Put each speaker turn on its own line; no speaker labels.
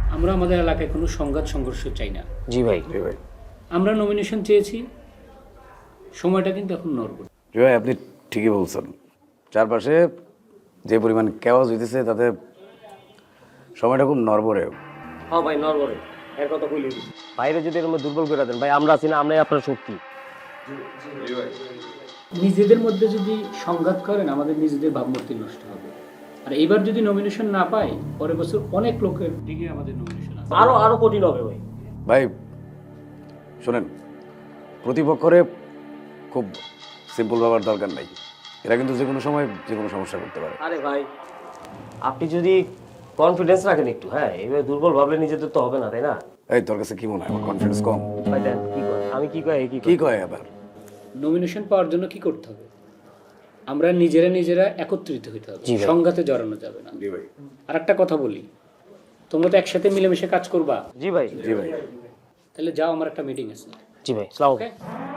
আমরা আমাদের এলাকায় কোনো সংঘাত সংঘর্ষ চাই না।
জি ভাই।
আমরা নমিনেশন চেয়েছি, সময়টা কিন্তু এখন নড়বড়ে।
ভাই আপনি ঠিকই বলছেন, চারপাশে যে পরিমাণ কেওয়াজ হইতেছে তাতে সময়টা খুব নড়বড়ে।
হ্যাঁ ভাই নরবরে এর কথা কইলি বাইরে যদি এরকম দুর্বল করে দেন ভাই, আমরা আছি না, আমরাই আপনার শক্তি।
নিজেদের মধ্যে যদি সংঘাত করেন আমাদের নিজেদের ভাবমূর্তি নষ্ট হবে। আর এবার যদি নমিনেশন না পাই, পরের বছর অনেক লোকের দিকে আমাদের নমিনেশন আছে।
আরো কঠিন হবে ভাই।
ভাই শোনেন, প্রতিপক্ষরে খুব সিম্পল ভাবার দরকার নাই, এরা কিন্তু যে কোনো সময় যে কোনো সমস্যা করতে পারে।
আরে ভাই আপনি যদি কনফিডেন্স রাখেন একটু, হ্যাঁ এবার দুর্বল ভাবলে নিজেদের তো হবে না, তাই না?
এই তোর কাছে কি মনে হয়, আমার কনফিডেন্স কম?
ভাই দেন কি কয়, আমি কি কয়
কি কয় আবার?
নমিনেশন পাওয়ার জন্য কি করতে হবে? আমরা নিজেরা একত্রিত হতে হবে,
জি ভাই।
সংঘাতে জড়ানো যাবে না। আর একটা কথা বলি, তোমরা তো একসাথে মিলেমিশে কাজ করবা।
জি ভাই।
জি ভাই।
তাহলে যাও, আমার একটা মিটিং আছে।
জি ভাই, আসসালামু আলাইকুম।
ওকে?